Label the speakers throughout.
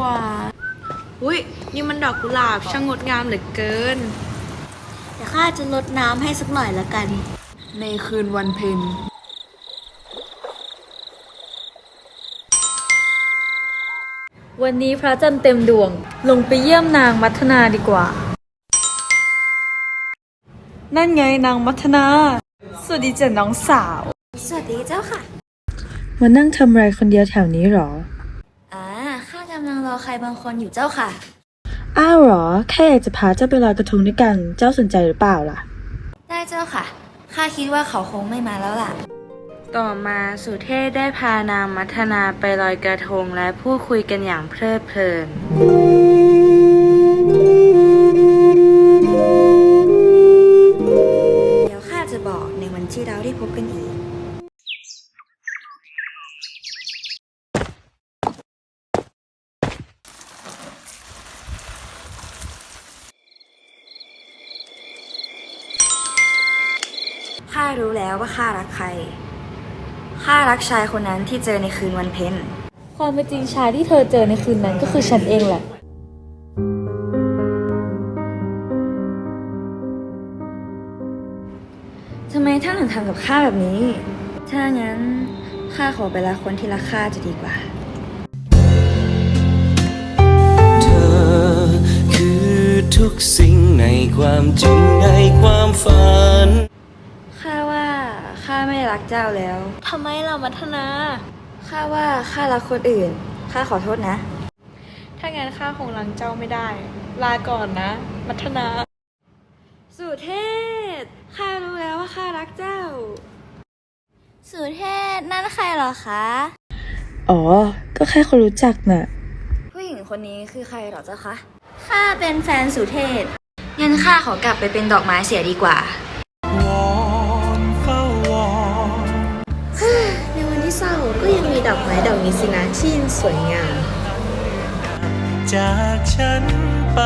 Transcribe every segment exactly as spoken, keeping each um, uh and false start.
Speaker 1: ว่าอุ้ยนี่มันดอกกุหลาบช่างงดงามเหลือเกิน
Speaker 2: เดี๋ยวข้าจะลดน้ำให้สักหน่อยละกัน
Speaker 1: ในคืนวันเพ็ญ
Speaker 3: วันนี้พระจันทร์เต็มดวงลงไปเยี่ยมนางมัทนาดีกว่านั่นไงนางมัทนาสวัสดีจ้ะน้องสาว
Speaker 2: สวัสดีเจ้าค่ะ
Speaker 3: มานั่งทำอะไรคนเดียวแถวนี้หรอ
Speaker 2: อ่าข้ากำลังรอใครบางคนอยู่เจ้าค่ะ
Speaker 3: อ้าวหรอแค่อยากจะพาเจ้าไปลอยกระทงด้วยกันเจ้าสนใจหรือเปล่าล่ะ
Speaker 2: ได้เจ้าค่ะข้าคิดว่าเขาคงไม่มาแล้วล่ะ
Speaker 1: ต่อมาสุเทพได้พานางมัทนาไปลอยกระทงและพูดคุยกันอย่างเพลิดเพลิน
Speaker 2: เดี๋ยวข้าจะบอกในวันที่เราได้พบกันอีกข้ารู้แล้วว่าข้ารักใครข้ารักชายคนนั้นที่เจอในคืนวันเพ็ญ
Speaker 3: ความเป็นจริงชายที่เธอเจอในคืนนั้นก็คือฉันเองแหละ
Speaker 2: ทำไมท่านถึงทำกับข้าแบบนี้ถ้างั้นข้าขอไปรักคนที่รักข้าจะดีกว่า
Speaker 4: เธอคือทุกสิ่งในความจริงในความฝัน
Speaker 2: ข้าว่าข้าไม่รักเจ้าแล้ว
Speaker 3: ทำไมล่ะมัทนา
Speaker 2: ข้าว่าข้ารักคนอื่นข้าขอโทษนะ
Speaker 1: ถ้างั้นข้าคงรังเจ้าไม่ได้ลาก่อนนะมัทนา
Speaker 2: สุเทพข้ารู้แล้วว่าข้ารักเจ้าสุเทพนั่นใครเหรอคะ
Speaker 3: อ๋อก็แค่คนรู้จักน่ะ
Speaker 2: ผู้หญิงคนนี้คือใครเหรอเจ้าคะข้าเป็นแฟนสุเทพงั้นข้าขอกลับไปเป็นดอกไม้เสียดีกว่าในวันที่เศร้าก็ยังมีดอกไม้ดอกนี้สินะที่ยังสวยงาม
Speaker 4: จากฉันไป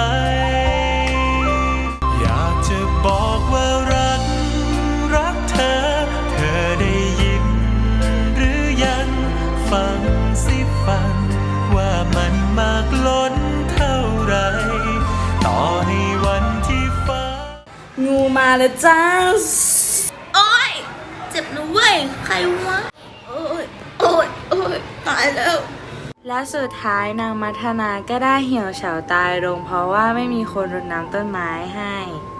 Speaker 4: อยากจะบอกว่ารักรักเธอเธอได้ยินหรือยังฟังสิฟังว่ามันมากล้นเท่าไรต่อให้วันที่ฟ้า
Speaker 1: งูมาแล้วจ้า
Speaker 2: โอ๊ยเจ็บนะเว้ยใครวะโอ๊ยโอ๊ยโอ๊ยตายแล้ว
Speaker 1: และสุดท้ายนางมัทนาก็ได้เหี่ยวเฉาตายลงเพราะว่าไม่มีคนรดน้ำต้นไม้ให้